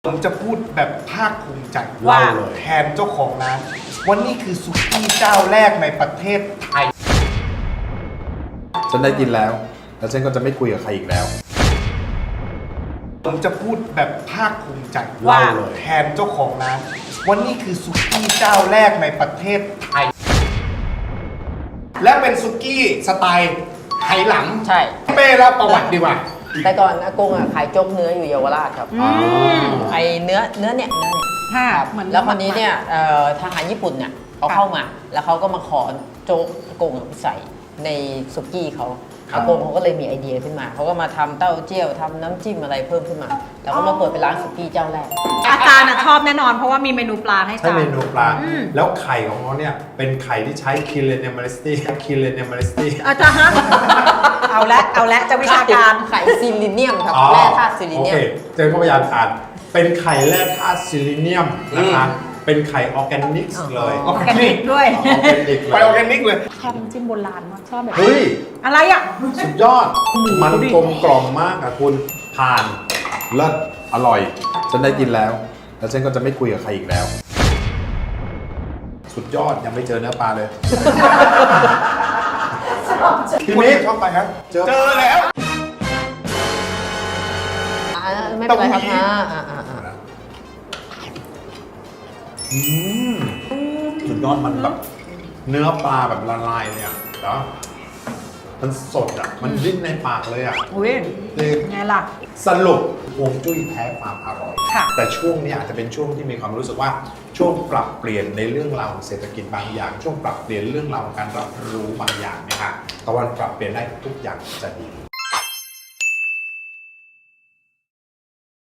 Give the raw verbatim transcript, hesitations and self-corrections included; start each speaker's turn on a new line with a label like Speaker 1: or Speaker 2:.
Speaker 1: ผมจะพูดแบบภาคภูมิใจ
Speaker 2: ว่า
Speaker 1: แทนเจ้าของร้านว่านี่คือสุกี้เจ้าแรกในประเทศไทย
Speaker 3: ฉันได้กินแล้ว แล้วฉันก็จะไม่คุยกับใครอีกแล้ว
Speaker 1: ผมจะพูดแบบภาคภูมิใจ
Speaker 2: ว่า
Speaker 1: แทนเจ้าของร้านว่านี่คือสุกี้เจ้าแรกในประเทศไทย และเป็นสุกี้สไตล์ไหหลำ
Speaker 2: ใช่
Speaker 1: เป้เล่าประวัติดีกว่า
Speaker 2: แต่ก่อนอากงอ่ะขายโจ๊กเนื้ออยู่เยาวราชครับ
Speaker 3: อ๋อ
Speaker 2: ไอเนื้อเนื้อเนี่ยเนื้อเนี่ย
Speaker 4: ค่ะ
Speaker 2: ครับ
Speaker 4: เหมือน
Speaker 2: แล้วคนนี้เนี่ยเอ่อทหารญี่ปุ่นเนี่ยเขาเข้ามา แล้วเขาก็มาขอโจ๊กอากงอะใส่ในสุกี้เขา
Speaker 1: ครับ
Speaker 2: อากงเขาก็เลยมีไอเดียขึ้นมาเขาก็มาทำเต้าเจี้ยวทำน้ำจิ้มอะไรเพิ่มขึ้นมา แล้วก็มาเปิดเป็นร้านสุกี้เจ้าแรก
Speaker 4: อาจารย์อะชอบแน่นอนเพราะว่ามีเมนูปลาให้
Speaker 3: ใช่
Speaker 4: ทาน
Speaker 3: เมนูปลา
Speaker 4: อืม
Speaker 3: แล้วไข่ของเขาเนี่ย เป็นไข่ที่ใช้คิเลเนมาริสตี้คิเลเนมาริสตี้
Speaker 4: อาจารย์ฮะเอาละเอาละจะวิชาการ
Speaker 2: ไข่ซิลิเนียมครับแร่ธาตุซิลิเนียม
Speaker 3: โอเคเจอเข้าไปยานทานเป็นไข่แร่ธาตุซิลิเนียมนะคะ เป็นไข่ออร์แกนิกเลย
Speaker 4: ออร์แกนิกด้วย
Speaker 3: ออร์แกนิกเล
Speaker 1: ไป
Speaker 3: ย
Speaker 1: ออร์แกนิกเลย
Speaker 4: ชอบน้ำจิ้มโบราณมากชอบแบบ
Speaker 3: เฮ้ย
Speaker 4: อะไรอ่ะ
Speaker 3: สุดยอด มันกลมกล่อมมากอะคุณผ่านเลิศอร่อย ฉันได้กินแล้ว แล้วฉันก็จะไม่คุยกับใครอีกแล้ว สุดยอดยังไม่เจอเนื้อปลาเลย พี่มิก
Speaker 1: ชอบไปครับ
Speaker 3: เจอ
Speaker 1: เจอแล้ว
Speaker 2: อ่าไม่เป็นไรครับ
Speaker 1: เต้าหู้
Speaker 2: นะอ่าอ่าอ่า
Speaker 3: อืมสุดยอดมันแบบเนื้อปลาแบบละลายเลยอ่ะแล้วมันสดอ่ะ มันดิ้นในปากเลยอ่ะ
Speaker 4: อุ้ย
Speaker 3: คือ
Speaker 4: ไงล่ะ
Speaker 3: สรุปฮวงจุ้ยแท้ความอร่อย
Speaker 4: ค่ะ
Speaker 3: แต่ช่วงนี้อาจจะเป็นช่วงที่มีความรู้สึกว่าช่วงปรับเปลี่ยนในเรื่องราวของเศรษฐกิจบางอย่าง ช่วงปรับเปลี่ยนเรื่องราวของการรับรู้บางอย่างนะคะตะวันปรับเปลี่ยนได้ทุกอย่างจะดี